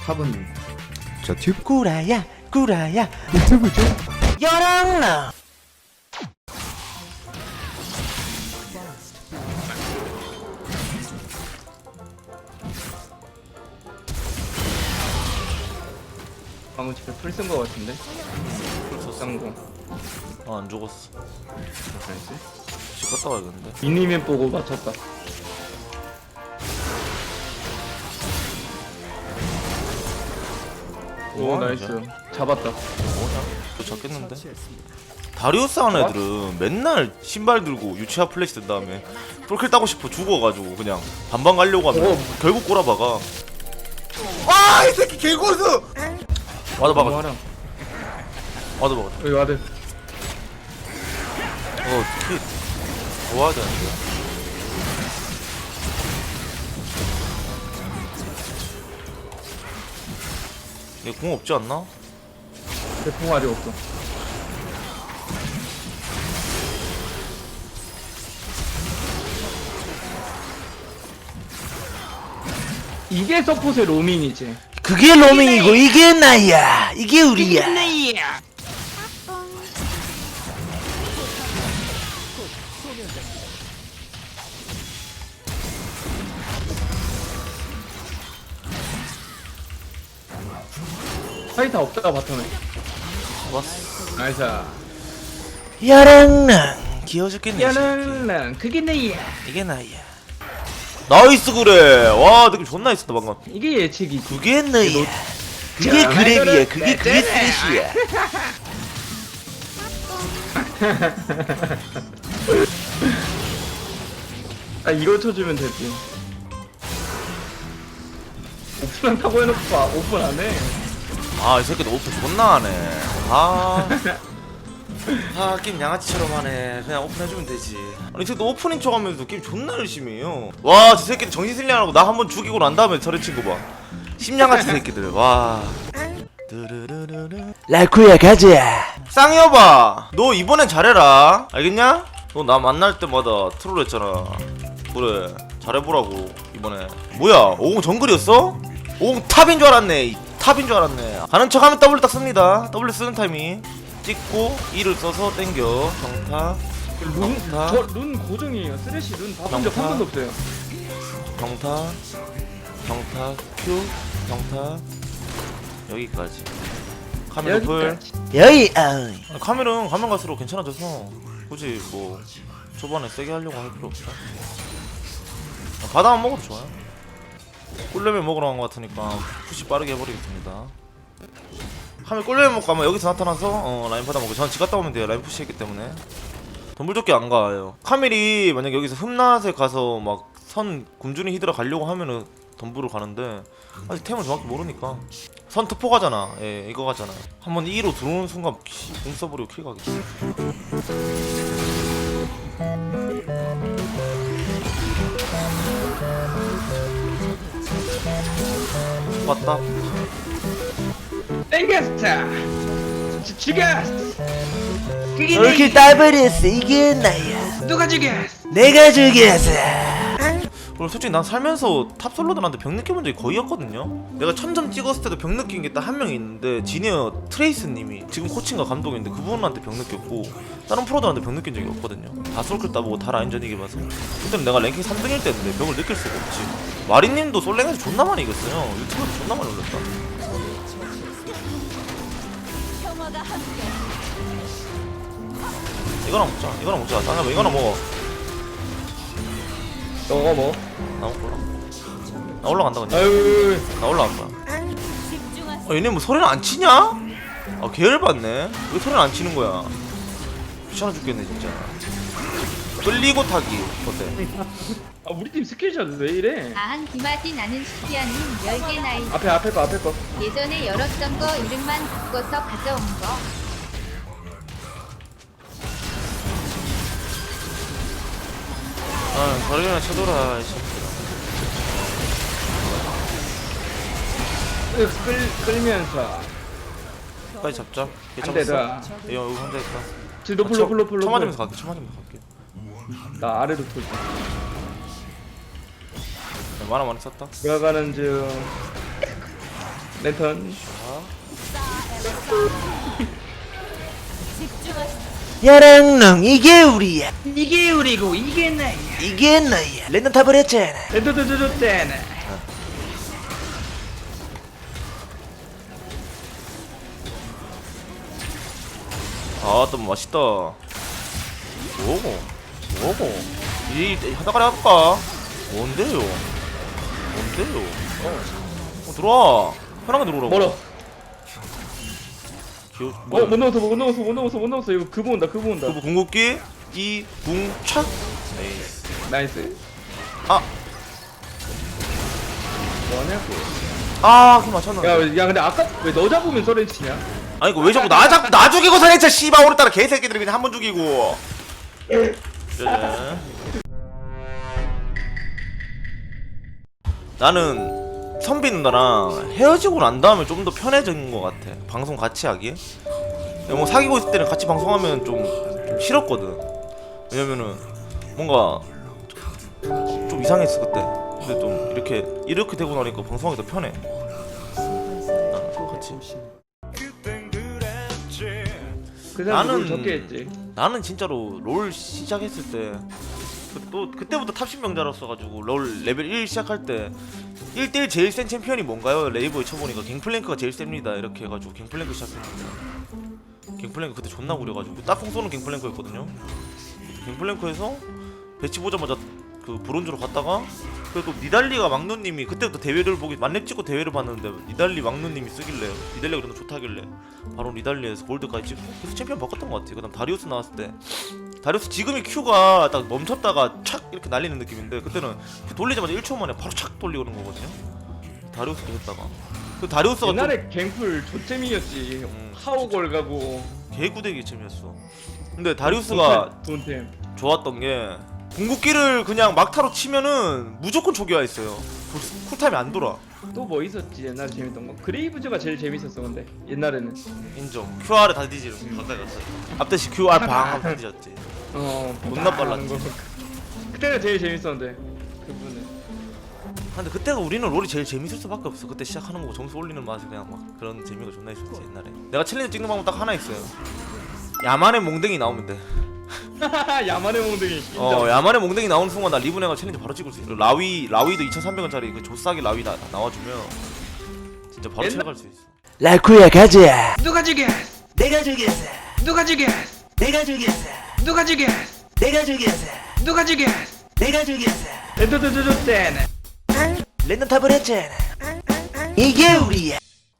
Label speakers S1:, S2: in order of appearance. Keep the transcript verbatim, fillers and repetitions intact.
S1: 탑은 저 튜브
S2: 구라야 구라야
S1: 유튜브죠?
S2: 열악나.
S3: 방금 집에 풀 쓴 거 같은데? 쌍공.
S2: 어, 안 죽었어.
S3: 나이스.
S2: 집 갔다 와야겠는데.
S3: 미니맨 보고 맞췄다. 오
S2: 뭐 하는
S3: 나이스.
S2: 거야?
S3: 잡았다.
S2: 뭐냐? 또 잡겠는데? 다리우스 하는 애들은 맨날 신발 들고 유치아 플래시 든 다음에 톨킬 따고 싶어 죽어가지고 그냥 반반 가려고 하면
S3: 오.
S2: 결국 꼬라박아.
S1: 아 이 새끼 개고수!
S2: 와도 박아.
S3: 하라.
S2: 와도 박아.
S3: 여기 와드.
S2: 어, 특히 좋아야 되는데. 얘 공 없지 않나?
S3: 대풍알이 없어. 이게 서폿의 로밍이지.
S2: 그게 로밍이고 이게 나야. 이게 우리야.
S3: 파이터 없다가 바텀에.
S2: 왔어.
S3: 나이스.
S2: 야랑랑 귀여워 죽겠네. 이 새끼.
S3: 야는 그게 내야.
S2: 이게 나야. 나이스 그래. 와 느낌 존나 있었다 방금.
S3: 이게 예측이지.
S2: 그게 너야. 그게
S3: 자,
S2: 그랩이야.
S3: 말들은
S2: 그게 그게
S3: 네,
S2: 스레시야.
S3: 아 이거 쳐주면 되지. 오픈 한다고 해놓고 봐. 오픈 안 해.
S2: 아 이 새끼도 오픈 존나 하네. 아. 아 게임 양아치처럼 하네. 그냥 오픈해주면 되지. 아니 이 새끼도 오프닝 척하면서 게임 존나 열심히 해요. 와 저 새끼들 정신 승리하라고 나 한 번 죽이고 난 다음에 저래 친거 봐. 심양아치 새끼들. 와. 라쿠야 가자. 쌍여봐 너 이번엔 잘해라 알겠냐? 너 나 만날 때마다 트롤 했잖아. 그래 잘해보라고 이번에. 뭐야 오공 정글이었어? 오공 탑인 줄 알았네. 이 탑인 줄 알았네. 가는 척하면 W 딱 씁니다. W 쓰는 타이밍 찍고 E를 써서 땡겨 경타
S3: 룬,
S2: 평타.
S3: 저 룬 고정이에요. 쓰레쉬 룬 봐본 적 한
S2: 평타.
S3: 번도 없어요.
S2: 경타 경타 Q 경타 여기까지. 카메라 풀.
S3: 여기까지.
S2: 여기 아 카메라는 가면 갈수록 괜찮아져서 굳이 뭐 초반에 세게 하려고 할 필요 없어. 바다만 먹어도 좋아요. 꿀레벨 먹으러 간 것 같으니까 푸시 빠르게 해버리겠습니다. 카메라 꿀레벨 먹고 아마 여기서 나타나서 어, 라인 받아 먹고 저는 집 갔다 오면 돼요. 라인 푸시했기 때문에 덤불조끼 안 가요. 카멜이 만약 여기서 흠낫에 가서 막 선 굶주린 히드라 가려고 하면은 덤불을 가는데 아직 템을 정확히 모르니까 선 특포 가잖아. 예 이거 가잖아. 한번 이로 들어오는 순간 공 써버리고 킬 가겠지. 왔다.
S3: 땡겼어. 지- 죽였어. 그게
S2: 이렇게
S3: 내
S2: 따버렸어. 이게 나야.
S3: 누가 죽였어?
S2: 내가 죽였어. 그리고 솔직히 난 살면서 탑솔로들한테 병 느껴본 적이 거의 없거든요. 내가 천점 찍었을 때도 병 느낀 게 딱 한 명이 있는데 지니어 트레이스님이 지금 코칭과 감독인데 그분한테 병 느꼈고 다른 프로들한테 병 느낀 적이 없거든요. 다 솔클 따보고 다 라인전 이겨봐서. 그때는 내가 랭킹 삼 등일 때인데 병을 느낄 수가 없지. 마리님도 솔랭에서 존나 많이 이겼어요. 유튜브에서 존나 많이 올렸다. 이거나 먹자. 이거나 먹자. 쌍여봐 이거나 먹어.
S3: 너가 뭐?
S2: 나 올라. 나 올라간다 그냥.
S3: 아유.
S2: 나 올라갈 거야. 아 얘네 뭐 소리는 안 치냐? 아 개열받네. 왜 소리는 안 치는 거야? 귀찮아 죽겠네 진짜. 끌리고 타기 어때?
S3: 아 우리 팀 스킬샷 왜 이래?
S4: 아한 기마디 나는 시피아는 열 개 나이
S3: 앞에 앞에 거 앞에 거.
S4: 예전에 열었던 거 이름만 바꿔서 가져온 거
S2: 아 거리나 쳐둬라.
S3: 끌 끌면서.
S2: 빨리 잡자. 얘
S3: 안 돼,
S2: 잡았어.
S3: 나.
S2: 얘 여기 혼자 있다.
S3: 지금 로플 로플 로플
S2: 쳐
S3: 로플.
S2: 맞으면서 갈게. 쳐 맞으면서 갈게.
S3: 나 아래로 돌.
S2: 만화 많이 썼다.
S3: 들어가는 중. 랜턴.
S2: 야랑랑 이게 우리야.
S3: 이게 우리고 이게 나야.
S2: 이게 나야. 랜덤 탑을 했잖아.
S3: 랜턴 줬잖아.
S2: 아, 또 맛있다. 뭐고? 뭐고? 이 하다가리 할까? 뭔데요? 뭔데요? 어, 어 들어와. 편하게 들어오라고.
S3: 멀어.
S2: 기어,
S3: 어,
S2: 뭐야?
S3: 못 넘었어, 못 넘었어, 못 넘었어, 못 넘었어. 이거 그거 온다, 그거 온다.
S2: 그거 궁극기 이 궁착. 에이스.
S3: 나이스.
S2: 아,
S3: 뭐하냐고.
S2: 아, 그 맞췄는데.
S3: 야, 야, 근데 아까 왜 너 잡으면 소리 치냐?
S2: 아니 이거 왜 자꾸 나 잡, 나 죽이고 살했자 씨발 오늘따라 개새끼들이 그냥 한 번 죽이고. 그래. 나는 선비 누나랑 헤어지고 난 다음에 좀 더 편해진 것 같아. 방송 같이 하기. 뭐 사귀고 있을 때는 같이 방송하면 좀, 좀 싫었거든. 왜냐면은 뭔가 좀, 좀 이상했어 그때. 근데 좀 이렇게 이렇게 되고 나니까 방송하기 더 편해. 나는 같이.
S3: 그 사람
S2: 나는-
S3: 를 적게 했지.
S2: 나는 진짜로 롤 시작했을 때 또 그때부터 탑십 명자였어가지고 롤 레벨 일 시작할 때 일 대 일 제일 센 챔피언이 뭔가요? 레이버에 쳐보니까 갱플랭크가 제일 셉니다 이렇게 해가지고 갱플랭크 시작했는데 갱플랭크 그때 존나 구려가지고 딱콩 쏘는 갱플랭크였거든요. 갱플랭크에서 배치 보자마자 그 브론즈로 갔다가 그래도 니달리가 막누님이 그때부터 대회를 보기 만렙 찍고 대회를 봤는데 니달리 막누님이 쓰길래 니달리가 그래도 좋다길래 바로 니달리에서 골드까지 찍고 계속 챔피언 바꿨던 것 같아. 그 다음 다리우스 나왔을 때 다리우스 지금이 Q가 딱 멈췄다가 착 이렇게 날리는 느낌인데 그때는 Q 돌리자마자 일 초 만에 바로 착 돌리는 거거든요. 다리우스도 했다가 그 다리우스가
S3: 옛날에 갱플 조잼이었지.
S2: 음,
S3: 하오걸 가고.
S2: 개구대기 챔이었어. 근데 다리우스가
S3: 돈템.
S2: 좋았던 게 궁극기를 그냥 막타로 치면은 무조건 초기화 있어요. 쿨타임이 안 돌아.
S3: 또 뭐 있었지 옛날에 재밌던 거? 그레이브즈가 제일 재밌었어 근데 옛날에는.
S2: 인정. 큐알을 다 뒤지는 가까이 갔어. 앞대시 큐알 방 하면 다 뒤졌지.
S3: 어.
S2: 존나
S3: 하는
S2: 빨랐지.
S3: 거. 그때가 제일 재밌었는데 그분은.
S2: 근데 그때가 우리는 롤이 제일 재밌을 수밖에 없어. 그때 시작하는 거고 점수 올리는 맛이 그냥 막 그런 재미가 존나 있었지 옛날에. 내가 챌린지 찍는 방법 딱 하나 있어요. 야만의 몽댕이 나오면 돼.
S3: 야만의 몽둥이. 인정.
S2: 어 야만의 몽댕이 나오는 순간 나 리브네가 챌린지 바로 찍을 수 있어. 라위 라위도 이천삼백 원짜리 그 조싸기 라위 나, 나와주면 진짜 바로
S3: 옛날-
S2: 챌갈 수 있어.
S5: 라쿠야 가자.
S3: 누가 죽였어?
S5: 내가 죽였어.
S3: 누가 죽였어?
S5: 내가 죽였어.
S3: 누가 죽였어?
S5: 내가 죽였어.
S3: 누가 죽였어?
S5: 내가 죽였어.
S3: 에도도도도떼네.
S5: 랜덤 탑을 했잖아. 이게 우리야.